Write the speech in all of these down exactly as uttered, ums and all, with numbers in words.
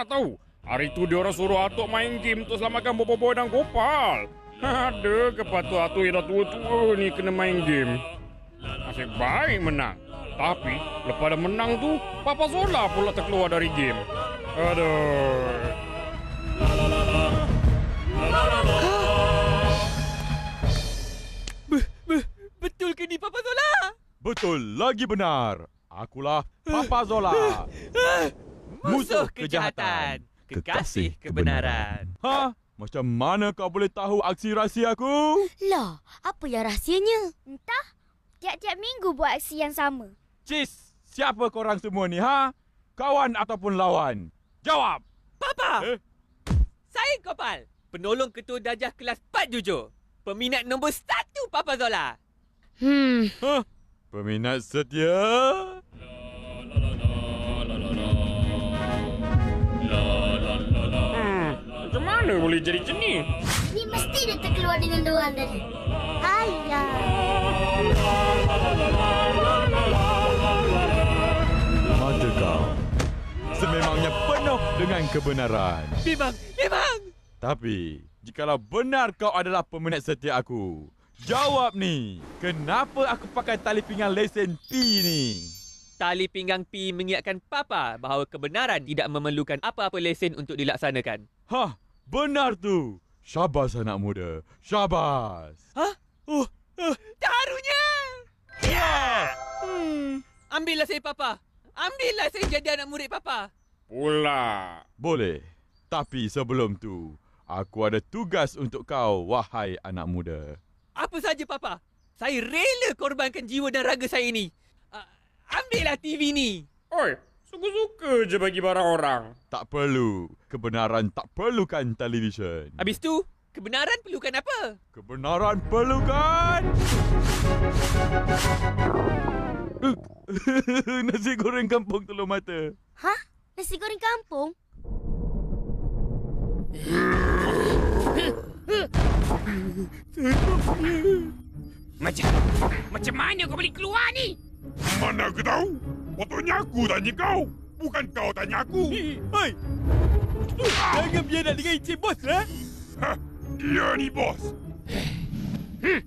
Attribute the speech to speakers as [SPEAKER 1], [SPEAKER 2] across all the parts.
[SPEAKER 1] tak tahu? Hari tu dia orang suruh Atuk main game untuk selamatkan Bobo Boy dan Gopal. Ada ke patut Atuk yang dah tua-tua ni kena main game? Nasib baik menang. Tapi lepas dah menang tu, Papa Zola pula terkeluar dari game. Aduh.
[SPEAKER 2] Betul ke ni Papa Zola?
[SPEAKER 3] Betul lagi benar. Akulah Papa Zola.
[SPEAKER 2] Musuh kejahatan, kekasih kebenaran.
[SPEAKER 3] Ha? Macam mana kau boleh tahu aksi rahsia aku?
[SPEAKER 4] Lah, apa yang rahsianya?
[SPEAKER 5] Entah, tiap-tiap minggu buat aksi yang sama.
[SPEAKER 3] Cis, siapa korang semua ni, ha? Kawan ataupun lawan? Jawab!
[SPEAKER 2] Papa!
[SPEAKER 3] Eh?
[SPEAKER 2] Saya Gopal, penolong ketua darjah kelas empat jujur. Peminat nombor satu Papa Zola.
[SPEAKER 4] Hmm,
[SPEAKER 3] Ha? Peminat setia?
[SPEAKER 1] Hmm, macam mana boleh jadi macam ni?
[SPEAKER 4] ni mesti dia terkeluar dengan diorang tadi. Ayah.
[SPEAKER 3] Mata kau sememangnya penuh dengan kebenaran.
[SPEAKER 2] Memang, memang.
[SPEAKER 3] Tapi, jikalau benar kau adalah peminat setia aku, jawab ni, kenapa aku pakai tali pinggang lesen P ni?
[SPEAKER 2] Tali pinggang P mengingatkan Papa bahawa kebenaran tidak memerlukan apa-apa lesen untuk dilaksanakan.
[SPEAKER 3] Hah, benar tu. Syabas anak muda, syabas.
[SPEAKER 2] Hah? Oh, oh taruhnya. Ya! Hmm, ambillah saya Papa. Ambillah saya jadi anak murid Papa.
[SPEAKER 1] Pula.
[SPEAKER 3] Boleh, tapi sebelum tu, aku ada tugas untuk kau, wahai anak muda.
[SPEAKER 2] Apa saja Papa. Saya rela korbankan jiwa dan raga saya ini. Uh, ambillah T V ni.
[SPEAKER 1] Oi, suka-suka je bagi barang orang.
[SPEAKER 3] Tak perlu. Kebenaran tak perlukan televisyen.
[SPEAKER 2] Habis tu, kebenaran perlukan apa?
[SPEAKER 3] Kebenaran perlukan... Nasi goreng kampung telur mata.
[SPEAKER 4] Hah? Nasi goreng kampung?
[SPEAKER 6] Macam macam mana kau boleh keluar ni?
[SPEAKER 7] Mana aku tahu? Patutnya aku tanya kau. Bukan kau tanya aku.
[SPEAKER 2] Hei! Jangan biar nak dengan Encik Bos lah.
[SPEAKER 7] Hah, dia ni bos.
[SPEAKER 6] Hmm.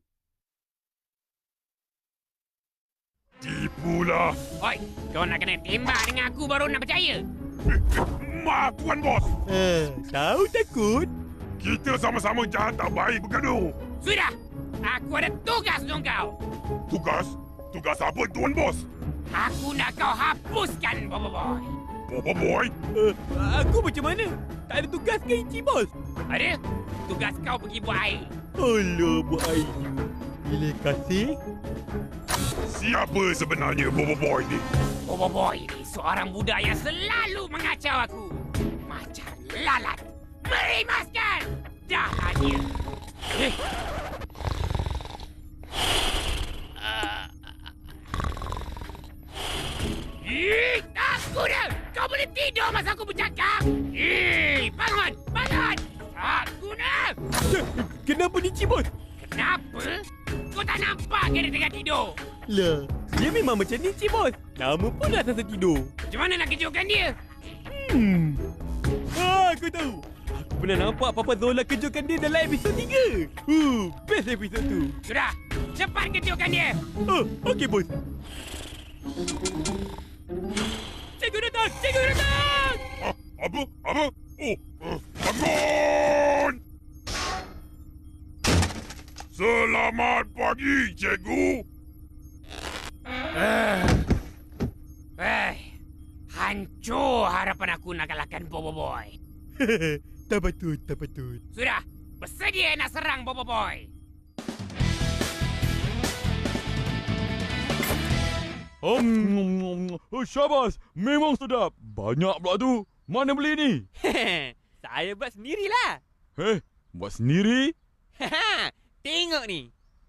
[SPEAKER 7] Tipulah.
[SPEAKER 6] Oi, kau nak kena tembak dengan aku baru nak percaya.
[SPEAKER 7] Maaf Tuan Bos.
[SPEAKER 2] Eh, tahu takut?
[SPEAKER 7] Kita sama-sama jahat tak baik bergaduh.
[SPEAKER 6] Sudah, aku ada tugas untuk kau.
[SPEAKER 7] Tugas? Tugas apa Tuan Bos?
[SPEAKER 6] Aku nak kau hapuskan Bobo Boy.
[SPEAKER 7] Bobo Boy?
[SPEAKER 2] Uh, aku macam mana? Tak ada tugas ke Encik Bos?
[SPEAKER 6] Ada? Tugas kau pergi buat air.
[SPEAKER 2] Alah, buat air. Bila kasih?
[SPEAKER 7] Siapa sebenarnya Bobo Boy ni?
[SPEAKER 6] Bobo Boy ni seorang budak yang selalu mengacau aku. Macam lalat. Merimaskan! Jahatnya. Eh. Ih, aku dah! Kau boleh tidur masa aku bercakap? Ih, bangun! Bangun! Aku dah!
[SPEAKER 2] Kenapa ni Encik Bos?
[SPEAKER 6] Kenapa? Kau tak nampak ke dia tengah tidur?
[SPEAKER 2] Lah, dia memang macam ni Encik Bos. Nama pun dah rasa tidur.
[SPEAKER 6] Macam mana nak kejutkan dia?
[SPEAKER 2] Hmm. Ah, aku tahu. Aku pernah nampak Papa Zola kejutkan dia dalam episod tiga. Uh, best episod tu.
[SPEAKER 6] Sudah, cepat kejutkan dia!
[SPEAKER 2] Oh, okey bos. Cikgu datang! Cikgu datang!
[SPEAKER 7] Ah, apa? Apa? Oh, uh, bangun! Selamat pagi, cikgu.
[SPEAKER 6] Eh, eh, hancur harapan aku nak kalahkan Bobo Boy.
[SPEAKER 2] Tak patut, tak patut.
[SPEAKER 6] Sudah, bersedia nak serang Bobo Boy.
[SPEAKER 3] Um, oh, syabas, memang sedap. Banyak pula tu. Mana beli ni?
[SPEAKER 2] Saya buat sendirilah.
[SPEAKER 3] Eh, buat sendiri?
[SPEAKER 2] Tengok ni.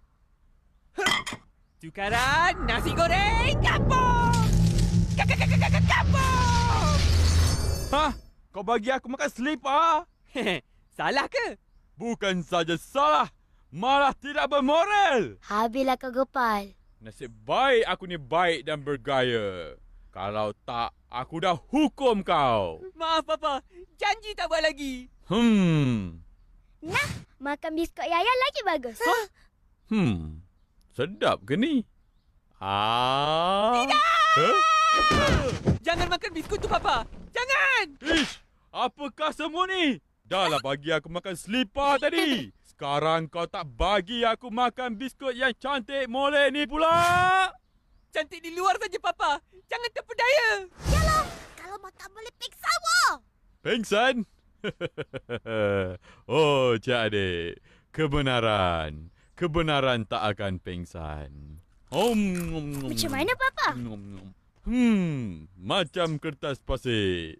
[SPEAKER 2] Tukaran nasi goreng kampung. Kampung.
[SPEAKER 3] Hah? Kau bagi aku makan selipar?
[SPEAKER 2] Salah ke?
[SPEAKER 3] Bukan saja salah, malah tidak bermoral.
[SPEAKER 4] Habislah kau Gopal.
[SPEAKER 3] Nasib baik aku ni baik dan bergaya. Kalau tak, aku dah hukum kau.
[SPEAKER 2] Maaf, Papa. Janji tak buat lagi.
[SPEAKER 3] Hmm.
[SPEAKER 5] Nah, makan biskut Yaya lagi bagus.
[SPEAKER 3] Hmm. Sedap ke ni? Ah.
[SPEAKER 2] Tidak!
[SPEAKER 3] Huh?
[SPEAKER 2] Jangan makan biskut tu, Papa. Jangan!
[SPEAKER 3] Ish, apakah semua ni? Dah lah bagi aku makan selipar tadi. Sekarang kau tak bagi aku makan biskut yang cantik molek ni pula.
[SPEAKER 2] Cantik di luar saja, Papa. Jangan terpedaya.
[SPEAKER 4] Yalah, kalau mak tak boleh peksa wah.
[SPEAKER 3] Pengsan? Oh, Cik Adik. Kebenaran. Kebenaran tak akan pengsan. Om,
[SPEAKER 5] Macam mana, Papa?
[SPEAKER 3] Hmm, macam kertas pasir.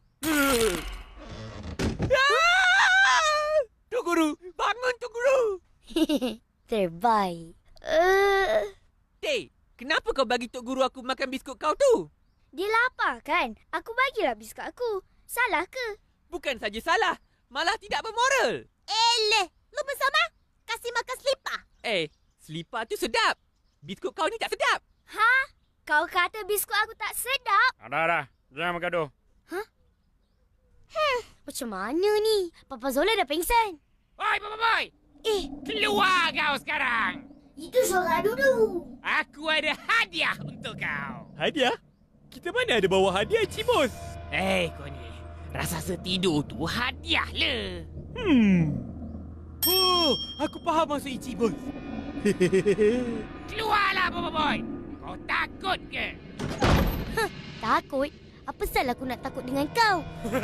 [SPEAKER 2] Ah! Tok Guru, bangun Tok Guru.
[SPEAKER 5] Terbaik. Uh,
[SPEAKER 2] Teh, kenapa kau bagi Tok Guru aku makan biskut kau tu?
[SPEAKER 5] dia lapar kan? Aku bagilah biskut aku. Salah ke?
[SPEAKER 2] Bukan saja salah, malah tidak bermoral.
[SPEAKER 4] Eleh, lu bersama? Kasih makan selipar.
[SPEAKER 2] Eh, selipar tu sedap. Biskut kau ni tak sedap.
[SPEAKER 5] Ha? Kau kata biskut aku tak sedap?
[SPEAKER 1] Dah, dah. Jangan bergaduh.
[SPEAKER 5] Macam mana ni? Papa Zola dah pengsan.
[SPEAKER 6] Oi, Papa Boy!
[SPEAKER 5] Eh,
[SPEAKER 6] Keluar kau sekarang!
[SPEAKER 4] Itu suara dulu.
[SPEAKER 6] Aku ada hadiah untuk kau.
[SPEAKER 2] Hadiah? Kita mana ada bawa hadiah, Cik Bos?
[SPEAKER 6] Eh, kau ni. Rasa setidur tu hadiah le.
[SPEAKER 2] Hmm. Oh, aku faham maksud Cik Bos.
[SPEAKER 6] Keluarlah, Papa Boy! Kau takut ke?
[SPEAKER 5] takut? Apa salah aku nak takut dengan kau?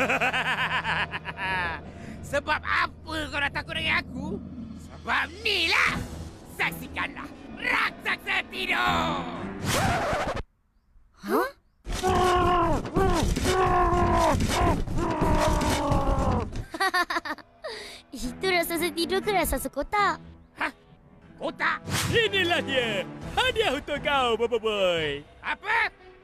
[SPEAKER 6] Sebab apa kau nak takut dengan aku? Sebab ni lah. Saksikanlah raksasa tidur.
[SPEAKER 5] Hah? Itu raksasa tidur ke raksasa kotak?
[SPEAKER 6] Hah? Kotak?
[SPEAKER 2] Inilah dia. Hadiah untuk kau, Papa Boy.
[SPEAKER 6] Apa?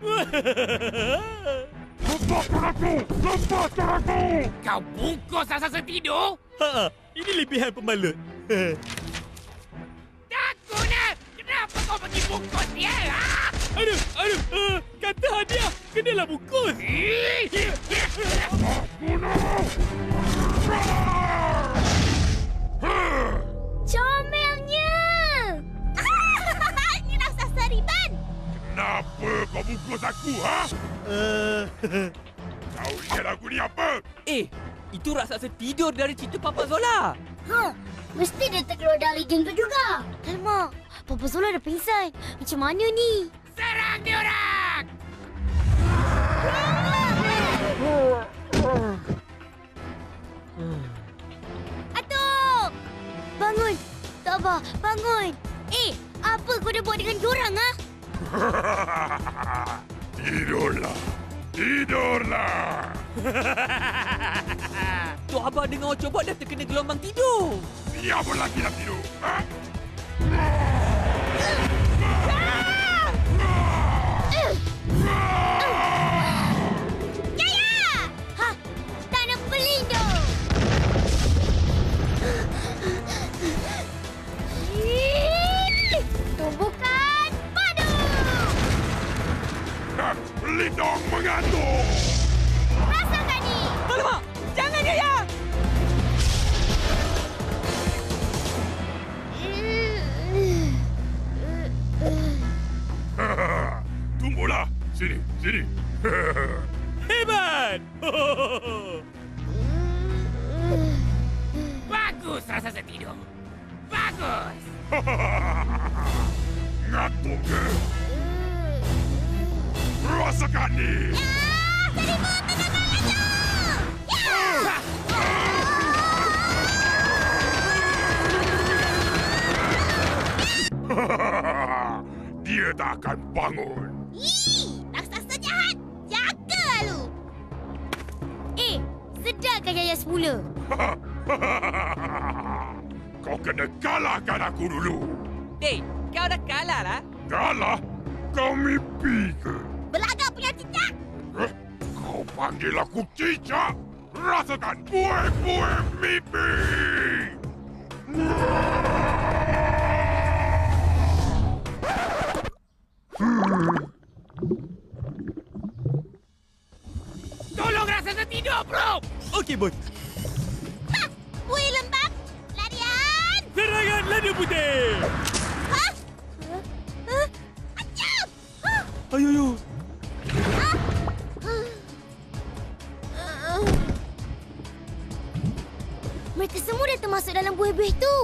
[SPEAKER 7] Lepaskan aku! Lepaskan aku!
[SPEAKER 6] Kau bungkus raksasa tidur?
[SPEAKER 2] Ha, ini lebihan pembalut.
[SPEAKER 6] Tak guna! Kenapa kau pergi bungkus dia? Ha?
[SPEAKER 2] Aduh, aduh. Uh, kata hadiah, kenalah bungkus.
[SPEAKER 5] Comelnya!
[SPEAKER 4] Ini raksasa riban.
[SPEAKER 7] Kenapa kau bungkus aku, ha?
[SPEAKER 2] Uh,
[SPEAKER 7] Kau ingat aku ni apa?
[SPEAKER 2] eh, itu raksasa tidur dari cerita Papa Zola.
[SPEAKER 4] Ha, mesti dia terkeluar dari geng tu juga.
[SPEAKER 5] Alamak, Papa Zola dah pingsan. Macam mana ni?
[SPEAKER 6] Serang diorang!
[SPEAKER 5] Atuk! Bangun! Tabah, bangun! Eh, apa kau dah buat dengan diorang, ha?
[SPEAKER 7] Tidurlah. Tidurlah.
[SPEAKER 2] Tok Abah dengar coba dah terkena gelombang tidur.
[SPEAKER 7] Siapa lagi nak tidur? Ha?
[SPEAKER 5] Ha! Tanah pelindung! Ih, tumbukan padu!
[SPEAKER 7] Ha, Pelindung mengantuk.
[SPEAKER 5] Rasakan ni!
[SPEAKER 2] Alamak! Jangan, Yaya!
[SPEAKER 7] Tunggulah. Sini, sini.
[SPEAKER 2] Hebat!
[SPEAKER 6] Bagus raksasa tidur. Bagus!
[SPEAKER 7] Ngantuk ke? Rasakan ni. Dia tak akan bangun.
[SPEAKER 4] Ih, raksasa jahat. Jaga lu.
[SPEAKER 5] Eh, sedarkan Yaya semula.
[SPEAKER 7] Kau kena kalahkan aku dulu.
[SPEAKER 2] Dek, kau dah kalah lah.
[SPEAKER 7] Kalah? Kau mimpi ke?
[SPEAKER 4] Belagak punya cicak.
[SPEAKER 7] Eh, kau panggil aku cicak? Rasakan buih-buih mimpi!
[SPEAKER 3] cabut.
[SPEAKER 5] Buih lembab. Larian.
[SPEAKER 3] Serangan lada putih.
[SPEAKER 5] Ha? Ha? Acap! Ha?
[SPEAKER 3] Ayo, ayo.
[SPEAKER 5] Mereka semua dah termasuk dalam buih-buih tu.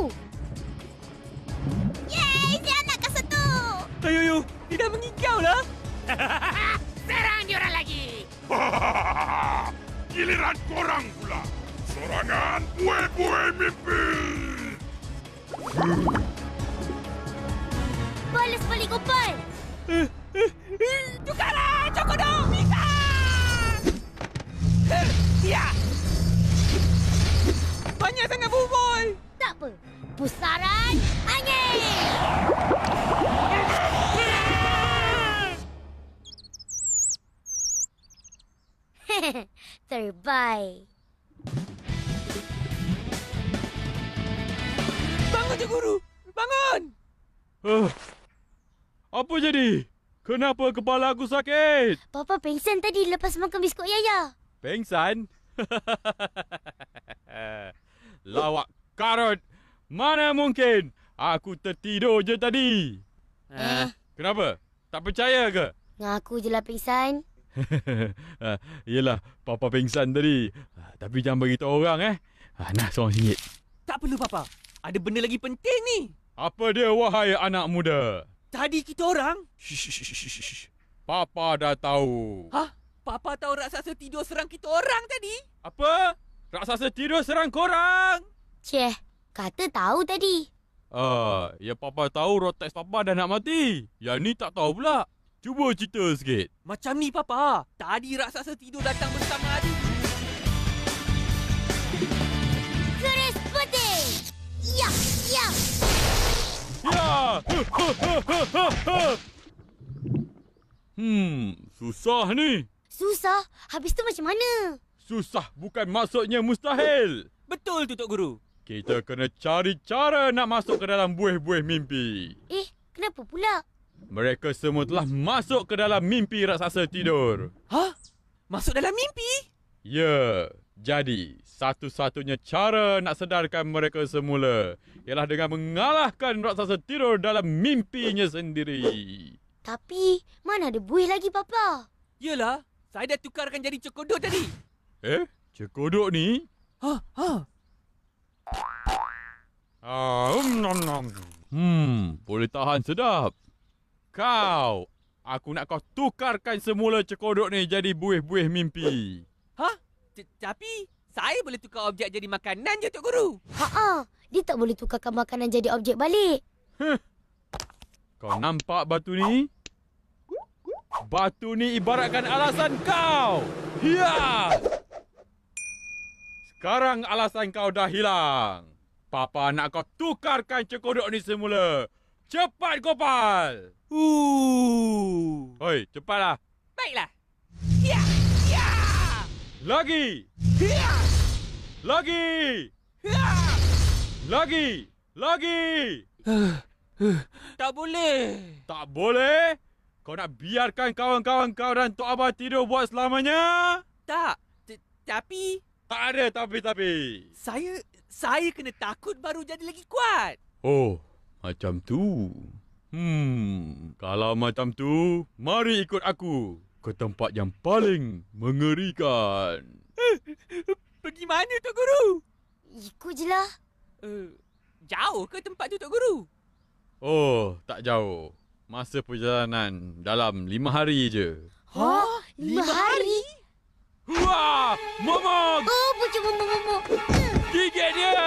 [SPEAKER 5] Yeay, si anak kasut tu.
[SPEAKER 2] Ayo, ayo. Dia dah mengigau lah.
[SPEAKER 6] Serang diorang lagi.
[SPEAKER 7] Giliran korang pula. Serangan buih-buih mimpi.
[SPEAKER 5] Balas balik Gopal.
[SPEAKER 6] Tukarlah, Cokodok. Bisa.
[SPEAKER 2] Ya. Banyak sangat bubul.
[SPEAKER 5] Tak apa. Pusaran angin. Terbaik.
[SPEAKER 2] Bangun, Cik Guru. Bangun.
[SPEAKER 3] Uh, apa jadi? Kenapa kepala aku sakit?
[SPEAKER 5] Papa pengsan tadi lepas makan biskut Yaya.
[SPEAKER 3] Pengsan? Lawak karut. Mana mungkin? Aku tertidur je tadi.
[SPEAKER 5] Eh.
[SPEAKER 3] Kenapa? Tak percaya ke?
[SPEAKER 5] Ngaku je lah pengsan.
[SPEAKER 3] Ah, yelah, Papa pingsan tadi. Ah, tapi jangan beritahu orang eh. Ah, nah, seorang singgit.
[SPEAKER 2] Tak perlu, Papa. Ada benda lagi penting ni.
[SPEAKER 3] Apa dia, wahai anak muda?
[SPEAKER 2] Tadi kita orang...
[SPEAKER 3] Shh, shh, shh, shh, shh. Papa dah tahu.
[SPEAKER 2] Hah? Papa tahu raksasa tidur serang kita orang tadi?
[SPEAKER 3] Apa? Raksasa tidur serang korang?
[SPEAKER 5] Ceh, kata tahu tadi.
[SPEAKER 3] Ah, ya Papa tahu Rotex Papa dah nak mati. Yang ni tak tahu pula. Cuba cerita sikit.
[SPEAKER 2] Macam ni, Papa. Tadi raksasa tidur datang bersama adik.
[SPEAKER 5] Keris putih. Ya, ya.
[SPEAKER 3] Ya! Hmm, susah ni.
[SPEAKER 5] Susah. Habis tu macam mana?
[SPEAKER 3] Susah bukan maksudnya mustahil.
[SPEAKER 2] Betul tu, Tok Guru.
[SPEAKER 3] Kita kena cari cara nak masuk ke dalam buih-buih mimpi.
[SPEAKER 5] Eh, kenapa pula?
[SPEAKER 3] Mereka semua telah masuk ke dalam mimpi raksasa tidur.
[SPEAKER 2] Hah? Masuk dalam mimpi?
[SPEAKER 3] Ya, jadi satu-satunya cara nak sedarkan mereka semula ialah dengan mengalahkan raksasa tidur dalam mimpinya sendiri.
[SPEAKER 5] Tapi, mana ada buih lagi, Papa?
[SPEAKER 2] Yelah, saya dah tukarkan jadi cokodok tadi.
[SPEAKER 3] Eh, cekodok ni?
[SPEAKER 2] Ha, ha.
[SPEAKER 3] Ah, um, nom, nom. Hmm, boleh tahan sedap. Kau, aku nak kau tukarkan semula cekodok ni jadi buih-buih mimpi.
[SPEAKER 2] Ha? Tapi, saya boleh tukar objek jadi makanan je, Tok Guru.
[SPEAKER 5] Ha-ha, dia tak boleh tukarkan makanan jadi objek balik.
[SPEAKER 3] Kau nampak batu ni? Batu ni ibaratkan alasan kau. Ya! Sekarang alasan kau dah hilang. Papa nak kau tukarkan cekodok ni semula. Cepat, Gopal!
[SPEAKER 2] Uh.
[SPEAKER 3] Hoi, cepatlah.
[SPEAKER 6] Baiklah. Ya, ya.
[SPEAKER 3] Lagi!
[SPEAKER 6] Ya,
[SPEAKER 3] Lagi!
[SPEAKER 6] ya.
[SPEAKER 3] Lagi! Lagi!
[SPEAKER 2] Tak boleh.
[SPEAKER 3] Tak boleh? Kau nak biarkan kawan-kawan kau dan Tok Abah tidur buat selamanya?
[SPEAKER 2] Tak. T- Tapi,
[SPEAKER 3] Tak ada tapi-tapi.
[SPEAKER 2] saya saya kena takut baru jadi lagi kuat.
[SPEAKER 3] Oh, macam tu. Hmm, kalau macam tu, mari ikut aku ke tempat yang paling mengerikan.
[SPEAKER 2] Pergi mana, Tok Guru?
[SPEAKER 5] Ikut je lah.
[SPEAKER 2] Uh, jauh ke tempat tu, Tok Guru?
[SPEAKER 3] Oh, tak jauh. Masa perjalanan dalam lima hari je.
[SPEAKER 5] Ha? Lima hari?
[SPEAKER 3] Wah! Momok!
[SPEAKER 5] Oh, pucuk momok-momok.
[SPEAKER 3] Gigit dia!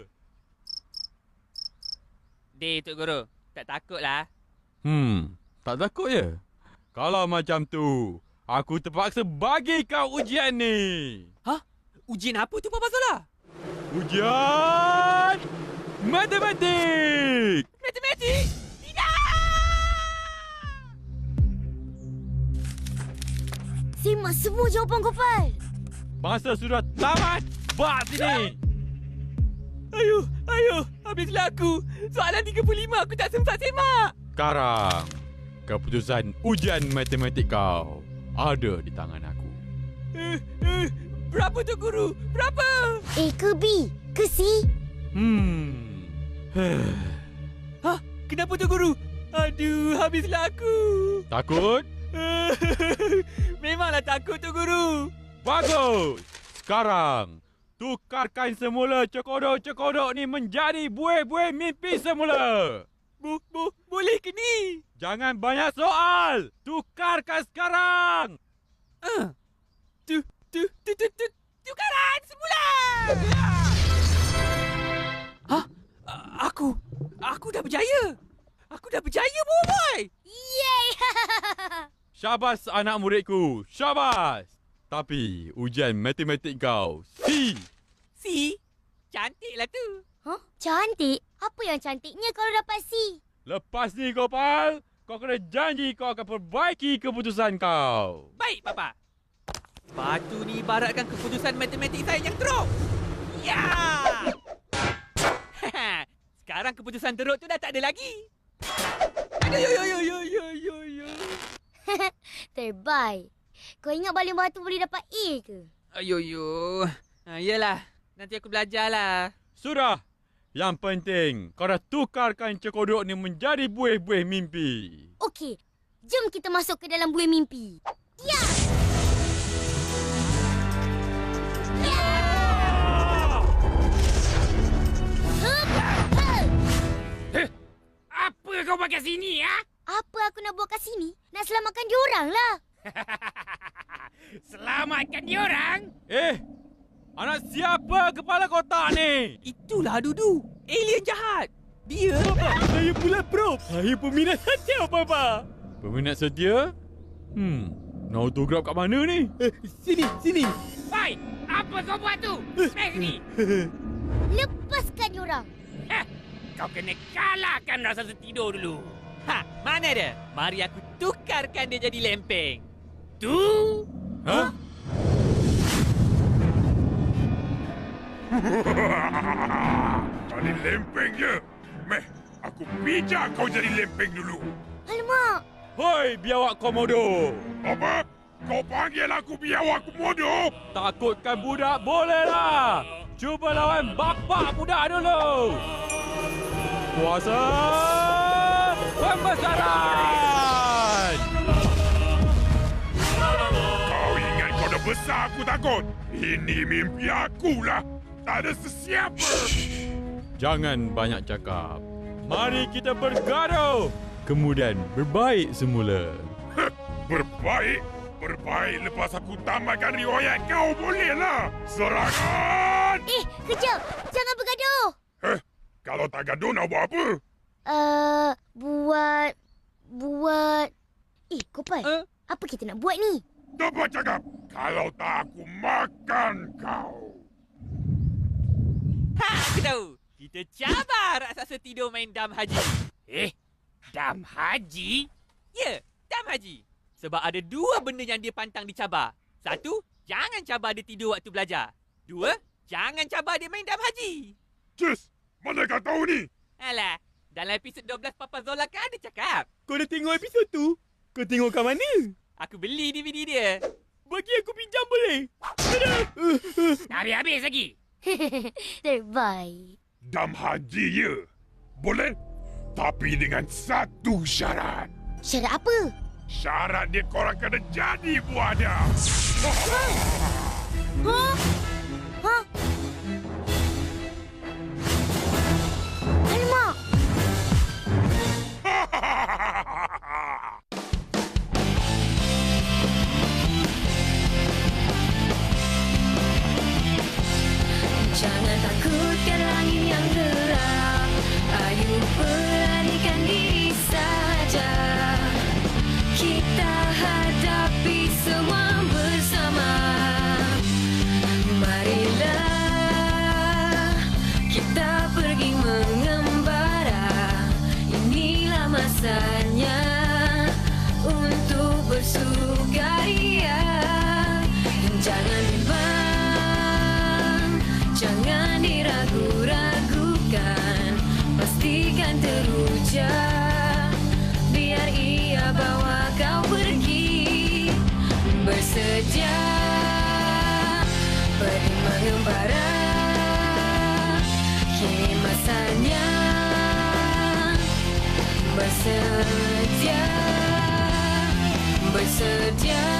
[SPEAKER 2] Dek, Tok Guru. Tak takutlah.
[SPEAKER 3] Hmm, tak takut ya? Kalau macam tu, aku terpaksa bagi kau ujian ni.
[SPEAKER 2] Hah? Ujian apa tu, Papa Solah?
[SPEAKER 3] Ujian matematik.
[SPEAKER 2] Matematik?
[SPEAKER 5] Simak semua jawapan Gopal.
[SPEAKER 3] Masa sudah tamat. Bak sini.
[SPEAKER 2] Ayuh, ayuh. Habislah aku. Soalan tiga puluh lima aku tak sempat semak.
[SPEAKER 3] Sekarang, keputusan ujian matematik kau ada di tangan aku.
[SPEAKER 2] Uh, uh, Berapa tu guru? Berapa?
[SPEAKER 5] A ke B? Ke C?
[SPEAKER 3] Hmm.
[SPEAKER 2] Hah? Kenapa tu guru? Aduh, habislah aku.
[SPEAKER 3] Takut?
[SPEAKER 2] Memanglah takut tu guru.
[SPEAKER 3] Bagus. Sekarang, tukarkan semula cekodok-cekodok ni menjadi buih-buih mimpi semula.
[SPEAKER 2] Bu, bu, boleh ke ni?
[SPEAKER 3] Jangan banyak soal. Tukarkan sekarang.
[SPEAKER 2] Ah. Tu, tu, tu, tu, tu, tukaran semula. Hah? A- Aku, aku dah berjaya. Aku dah berjaya, boy.
[SPEAKER 5] Yeay!
[SPEAKER 3] Syabas anak muridku. Syabas. Tapi ujian matematik kau C.
[SPEAKER 2] Si, cantiklah tu.
[SPEAKER 5] Huh? Cantik? Apa yang cantiknya kalau dapat C?
[SPEAKER 3] Lepas ni Gopal, kau kena janji kau akan perbaiki keputusan kau.
[SPEAKER 2] Baik, Papa. Batu ni ibaratkan keputusan matematik saya yang teruk. Ya! Sekarang keputusan teruk tu dah tak ada lagi. Aduh, yo, yo, yo, yo, yo, yo.
[SPEAKER 5] Terbaik. Kau ingat baling batu boleh dapat A ke?
[SPEAKER 2] Ayo, yo. Ha, yelah, nanti aku belajarlah.
[SPEAKER 3] Sudah. Yang penting, kau dah tukarkan cekodok ni menjadi buih-buih mimpi.
[SPEAKER 5] Okey, jom kita masuk ke dalam buih mimpi. Ya! Ya! Hup! Hup!
[SPEAKER 6] Apa kau buat kat sini, ha?
[SPEAKER 5] Apa aku nak buat kat sini? Nak selamatkan diorang lah.
[SPEAKER 6] Selamatkan diorang.
[SPEAKER 3] Eh, anak siapa kepala kotak ni?
[SPEAKER 2] Itulah Dudu. Alien jahat. Dia...
[SPEAKER 3] Saya pula Prof. Saya peminat setia, Papa. Peminat setia? Hmm, nak autograf kat mana ni?
[SPEAKER 2] Sini, sini.
[SPEAKER 6] Hai, apa kau buat tu? Mari sini.
[SPEAKER 5] Lepaskan diorang.
[SPEAKER 6] Hah, kau kena kalahkan rasa tertidur dulu.
[SPEAKER 2] Ha, mana dia? Mari aku tukarkan dia jadi lempeng.
[SPEAKER 6] Tu?
[SPEAKER 3] Ha?
[SPEAKER 7] Jadi lempeng je. Meh, aku pijak kau jadi lempeng dulu.
[SPEAKER 5] Alamak.
[SPEAKER 3] Hoi, biawak komodo.
[SPEAKER 7] Apa? Kau panggil aku biawak komodo?
[SPEAKER 3] Takutkan budak bolehlah. Cuba lawan bapak budak dulu. Kuasa pembesaran.
[SPEAKER 7] Kau ingat kau dah besar aku takut? Ini mimpi akulah. Tak ada sesiapa.
[SPEAKER 3] Jangan banyak cakap. Mari kita bergaduh. Kemudian berbaik semula.
[SPEAKER 7] Heh, berbaik? Berbaik lepas aku tamatkan riwayat kau bolehlah. Serangan!
[SPEAKER 5] Eh, kejap. Jangan bergaduh.
[SPEAKER 7] Heh, kalau tak gaduh nak buat apa?
[SPEAKER 5] Uh, buat... Buat... Eh, Gopal.
[SPEAKER 2] Uh?
[SPEAKER 5] Apa kita nak buat ni?
[SPEAKER 7] Dapat cakap, kalau tak aku makan kau.
[SPEAKER 2] Ha, aku tahu. Kita cabar raksasa tidur main dam haji.
[SPEAKER 6] Eh, Dam Haji?
[SPEAKER 2] Ya, dam haji. Sebab ada dua benda yang dia pantang dicabar. Satu, jangan cabar dia tidur waktu belajar. Dua, jangan cabar dia main dam haji.
[SPEAKER 7] Cis, mana kau tahu ni?
[SPEAKER 2] Alah, dalam episod dua belas Papa Zola kan ada cakap.
[SPEAKER 8] Kau dah tengok episod tu? Kau tengok kat mana?
[SPEAKER 2] Aku beli D V D dia.
[SPEAKER 8] Bagi aku pinjam boleh?
[SPEAKER 6] Tak habis-habis lagi.
[SPEAKER 5] Terbaik.
[SPEAKER 7] Dam haji ya. Boleh? Tapi dengan satu syarat.
[SPEAKER 5] Syarat apa?
[SPEAKER 7] Syarat dia korang kena jadi buah dia.
[SPEAKER 5] Ha? Ha? Alamak.
[SPEAKER 9] Jangan takutkan langit yang gelap. Ayo beranikan diri saja. Kita hadapi semua bersama. Marilah kita pergi mengembara. Inilah masanya untuk bersukaria. Jangan bimbang, jangan diragu-ragukan. Pastikan teruja, biar ia bawa kau pergi. Bersedia bersedia, bersedia.